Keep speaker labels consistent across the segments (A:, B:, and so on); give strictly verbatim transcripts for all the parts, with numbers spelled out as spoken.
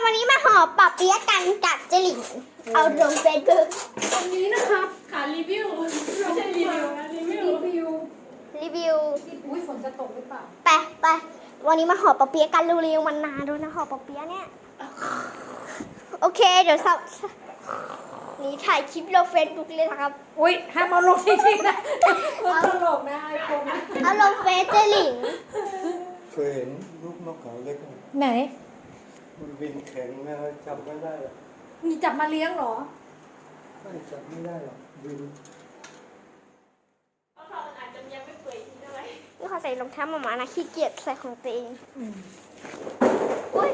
A: วันนี้มาห่อปอบเปี๊ยะกันกับเจหลิงเอาลงเฟซบุ๊ก
B: วันนี้นะครับขารีวิวไม่ใช่รีวิวนะรีวิว
C: รีวิว
A: รีวิว
C: อุ้ยฝนจะตกหรือเปล่า
A: ไปไปวันนี้มาห่อปอบเปี๊ยะกันเร็วๆมันนานด้วยนะห่อปอบเปี๊ยะเนี่ยโอเคเดี๋ยวสับนี่ถ่ายคลิปลงเฟซบุ๊กเลยนะครับ
C: อุ้ยห้ามเอาลงจริงๆนะมันตลกนะไอโฟนนะ
A: เอาลงเฟซเจหลิง
D: เคยเห็นลูกนกเขาเล็กไหม
C: ไหน
D: มันบินแข็งนะจับไม่ได้หรอก
C: มีจับมาเลี้ยงเหรอ
D: ไม่จับไม่ได้หรอกบิน
A: นี่เขาใส่รองเท้าหมาๆนะขี้เกียจใส่ของตัวเองอุ้ย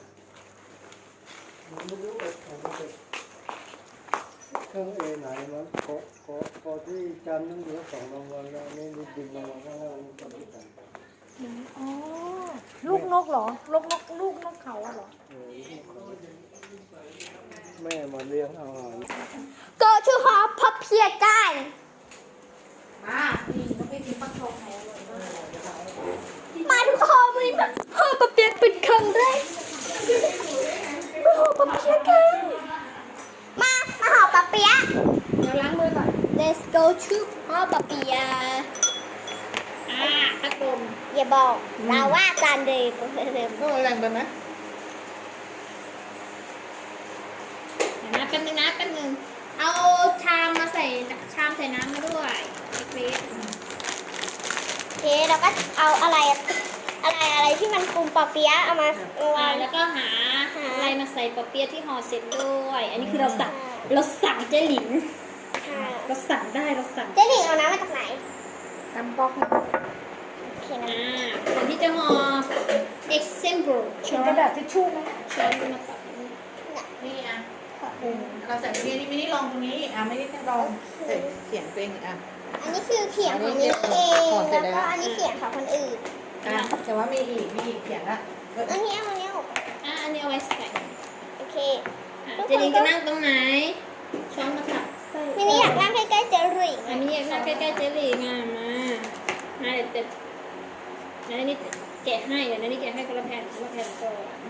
D: มันไม่รู้ว่าเขาจะเครื่องเอไหนมันขอขอขอที่จันทร์นั่นเหลือสองรางวัลแล้วนี่นี่บินรางวัลข้างล่างมันจับไม่ได้
C: อ๋อ ลูกนกเหรอ ลูกนกลูกนกเขาอะเหรอ
D: เออแม่มาเลี้ยงอาหาร
A: go to ห่อปอบเปี๊ยะกัน
C: มานี่นกไปกินปักทองแท้เลย
A: มาทุกคนวันนี้มาห่อปอบเปี๊ยะเป็นครั้งแรกมาห่อปอบเปี๊ยะกันมามาห่อปอบเปี๊ยะ
C: เดี๋ยวล้างมือก่อน
A: let's go to ห่อปอบเปี๊ยะ
C: อ่าพัดลม
A: อย่าบอกเราว่าการเดินเดิน
B: ก็แรงไปไหม
C: เดี๋ยวนะแป๊บนึงนะแป๊บนึง เอาชามมาใส่ชามใส่น้ำมาด้วยเล็ก
A: โอเคเราก็เอาอะไรอะไรอะไรที่มันปรุงปอบเปี๊ยะเอามา
C: ๆ
A: วา
C: อ่าง แล้วก็หา
A: หา
C: อะไรมาใส่ปอเปี๊ยะที่ห่อเสร็จด้วย อันนี้คือเราสั่งเราสั่งเจ๊หลิง
A: ค่ะ
C: เราสั่งได้เราสั่ง
A: เจ๊หลิงเอาน้ำมาจากไหน
C: ตำป๊อกนะ
A: โอเคนะ
C: อ่าส่วนที่จะห่อ example ช้อน
E: กระดาษทิชชู่ไหม
C: ช้อนมาตัดนี่
B: นี่อ่ะเราใส่ตรงนี้นี่ไม่ได้ลองตรงนี้อ่ะไม่ได้ลองใส่เขียนตัวเองอ่ะ
A: อันนี้คือเขียนของนี้เอง
B: ห่อเสร็
A: แล้
B: จ
A: ว
B: แล้ว
A: ก็อันนี้เขียนของคนอื่น
B: อ่ะแต่ว่ามีอีกมีอีกเขียนละ
A: อันนี้เอาอันนี้ออก
C: อ่ะอันนี้เอาไว้ใส่
A: โอเค
C: อ่ะเจ๊หลิงจะนั่งตรงไหน ช้อนมาตัดใส่
A: มินี่อยากนั่งใกล้ๆเจ๊หลิง
C: อันนี้อยากนั่งใกล้ๆเจ๊หลิงอ่ะมามาเดี๋ยวเดี๋ยวเดี๋ยวอันนี้แกะให้เดี๋ยวอันนี้แกะให้คนละแผ่นคนละแผ่นก่อน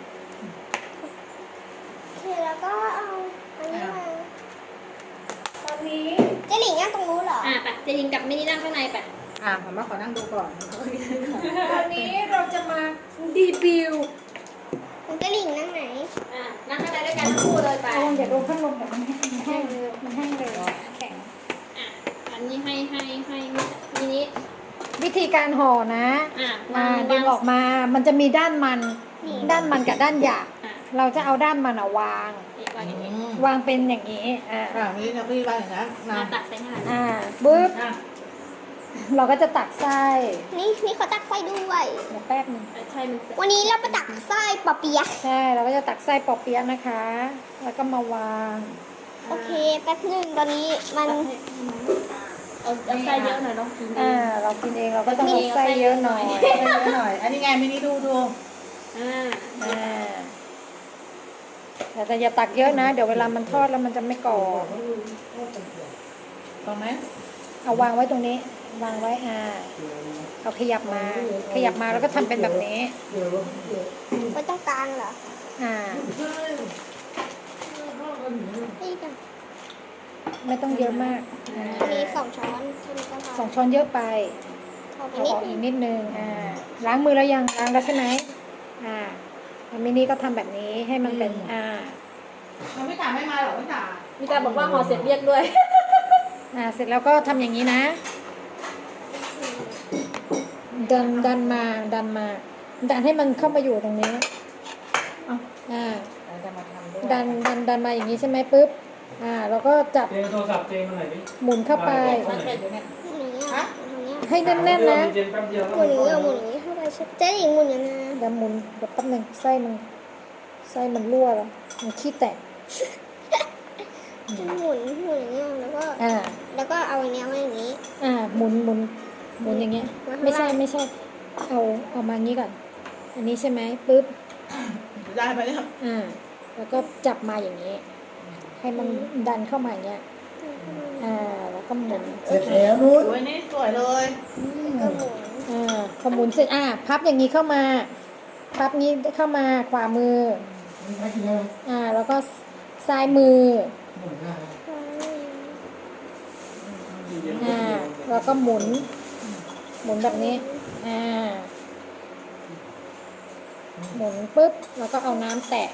A: โอเคแล้วก็เอาอันนี้มา
E: ตอนนี้
A: เจ๊หลิงนั่งตรงนู้นเหรอ
C: อ่ะไปเจ๊หลิงกับมินี่นั่งข้างในไป
B: อ่ะผมมาขอนั่งดูก่อน
E: ตอนนี้เราจะมาดีบิว
A: คุณเจ๊หลิงนั่งไหน
C: อ่ะนั่งข้างในด้วยกันทั้งคู่เลยไป
E: ระวังอย่าโดนพัดลมแบบมันแห้งมันแห้งเลยแข็ง
C: อ่ะอันนี้ให้ให้ให้มินิ
E: วิธีการห่อนะ
C: อ่ะ
E: มาดึงออกมา มันจะมีด้านมัน
A: นี่
E: ด้านมันกับด้านหยาบ
C: อ่ะ
E: เราจะเอาด้านมันอะวาง
C: อีกวางอย่างนี้
E: วางเป็นอย่างนี้ อ่า
B: อ่ะนี่เราพี่ว่าอย่างนั้นนะ
C: อ่ะตัดใส่ให้
E: อ่าปึ๊บ
B: อ่ะ
E: เราก็จะตักไส้
A: นี่นี่เขาตักไส้ด้วย
E: เดี๋ยวแป๊บนึง
C: ใช่มันเสร็จ
A: วันนี้เราไปตักไส้ปอเปี๊ยะ
E: ใช่ เราก็จะตักไส้ปอเปี๊ยะนะคะ แล้วก็มาวาง
A: โอเคแป๊บหนึงตอนนี้มัน
C: เอาเอาไส้เยอะหน่อยน้องกิน
E: อ่า เรากินเองเราก็ต้องเอาไส้เยอะหน่อย
B: ให้เยอะหน่อย อันนี้ไงมินิดูดู
C: อ่า
E: อ่าแต่แต่อย่าตักเยอะนะ เดี๋ยวเวลามันทอดแล้วมันจะไม่กรอบ
B: ตรงไหม
E: เอาวางไว้ตรงนี้ วางไว้อ่าเอาขยับมา ขยับมาแล้วก็ทำเป็นแบบนี้
A: ไว้ตรงกลางเหรอ
E: อ่า
A: นี่กัน
E: ไม่ต้องเยอะมากอ่า
A: มีสองช้อนใช่ไหมก็พอ
E: สองช้อนเยอะไป
A: พอไป
E: เอา
A: นิ
E: อ
A: ด
E: อก
A: นึ
E: อี
A: ง
E: กนิดนึงอ่าล้างมือแล้วยังล้างแล้วใช่ไหมอ่าแล้วมินี่ก็ทำแบบนี้ให้มันเป็นอ่า
B: มันไม่ตาไม่มาหรอกไม่ตา
C: มีตาบอกว่าห่อเสร็จเรียกด้วย
E: อ่าเสร็จแล้วก็ทำอย่างนี้นะ ดันดันมาดันมาดันให้มันเข้ามาอยู่ตรงนี้อ่า
B: เราจะมาทำด้วย
E: ดันดันดันมาอย่างนี้ใช่ไหมปุ๊บอ่าเราก็จับ
F: เจงโทรศัพท์เจงมาหน่อยดิ
E: หมุนเข้าไป
B: มันเป็นอยู่เนี่ย
A: หมุนอย่างเงี้ยหมุนอย่างเงี้ย
E: ให้แน่นๆนะ
F: เจงแป๊บเดียว
A: หมุนอย่างเงี้ยหมุนอย่างเงี้ยเข้าไปใช่เจ๊หญิงหมุนอย่างเงี้ย
E: เดี๋ยวหมุนเดี๋ยวแป๊บหนึงไส้มันไส้มันรั่วแล้วมันขี้แตก
A: หมุนหมุนอย่างเงี้ยแล้วก็
E: อ่า
A: แล้วก็เอาอย่างเงี้ยไว้อย่างงี้
E: อ่าหมุนหมุนหมุนอย่างเงี้ย ไม่ใช่ไม่ใช่ เอาเอามางี้ก่อน อันนี้ใช่ไหมปุ๊บ
B: ได้ไปเนี่ย
E: อ่า แล้วก็จับมาอย่างนี้ ให้มันดันเข้ามาอย่างเงี้ยอ่าแล้วก็หมุน
D: เสร็จแล้วนู้น
B: สวยนี่สวยเลย
A: ก็หมุน
E: อ่าพอหมุนเสร็จอ่าพับอย่างนี้เข้ามา พับนี้เข้ามาขวามือ
D: นี่ใครกินแล้ว
E: อ่า แล้วก็ซ้ายมือ
D: หมดแล้ว
E: อ่า แล้วก็หมุน หมุนแบบนี้ อ่า หมุนปุ๊บ แล้วก็เอาน้ำแตะ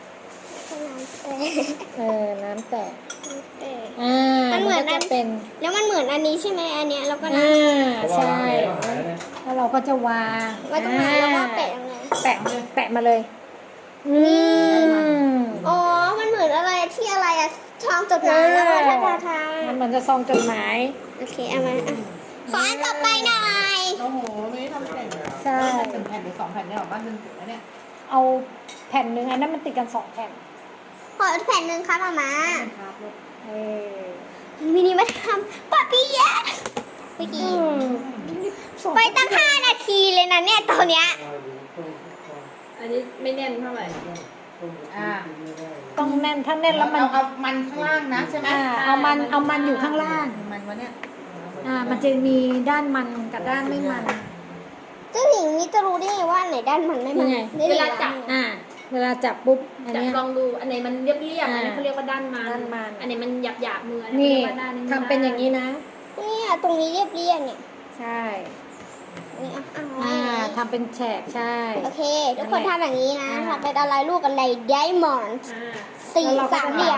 E: เออ น้ำแตะ อ่า
A: มันเหมือน
E: ก็
A: อัน
E: จะเป็น
A: แล้วมันเหมือนอันนี้ใช่ไหมอันเนี้ยแล้วก็นะ
E: อ่า ใช่ แล้วเราก็จะวาง
A: ไว้ตรงไหนแล้วก็แปะยังไง
E: แปะ แปะมาเลย อืม
A: อ๋อ มันเหมือนอะไรที่อะไรอะทองจดหมายแล้วก็ทาทาทา
E: มันเหมือนจะซองจดหมาย
A: โอเคเอามาอ่ะขออันต่อไปหน่อย
B: โอ้โหไม่ได้ทำแผ่น
E: ใช่
B: หนึ่งแผ่นหรือสองแผ่นเนี่ยหรอบ้านหนึ่งแผ่นนะเนี่ย
E: เอาแผ่นหนึ่งอันนั้นมันติดกันสองแผ่น
A: ขอแผ่นหนึ่งครับมามา
B: ครับลูก
E: เออ
A: มินิมาทำปาปิยะเมื่อกี้ไปตั้งห้านาทีเลยนะเนี่ยตอนเนี้ย
C: อันนี้ไม่แน่นเท่าไหร่
B: อ่า
E: ต้องแน่น ถ้าแน่นแล้วมัน
B: เอาเอามันข้างล่างนะใช่ไหม
E: อ่า เอามัน เอามันอยู่ข้างล่าง
B: มันวะเนี่ย
E: อ่า มันจะมีด้านมันกับด้านไม่มัน
A: เจ้าหญิงนี่จะรู้ได้ไงว่าอันไหนด้านมันไม่มัน
E: นี่ไง
A: ได้
C: เวลาจับ
E: อ่า เวลาจับปุ๊บ อัน
C: จับ
E: เนี้ย
C: ลองดูอันไหนมันเรียบเรียบๆอันนี้
E: อ่า
C: เขาเรียกว่าด้านมัน
E: ด้านมัน
C: อันไหนมันหยาบหยาบๆมืออั
E: นี่
C: เรียกว่าด้าน
E: ทำเป็นอย่างนี้นะ
A: เนี่ยตรงนี้เรียบเรียบเนี่ย
E: ใช่
A: นี่อ่ะอ่ะ
E: อ่าทำเป็นแฉกใช่
A: โอเค ทุกคนทำอย่างนี้นะทำเป็นอะไรลูกอะไรไดมอนด์
C: อ่า
A: สี่สามเหลี่ยม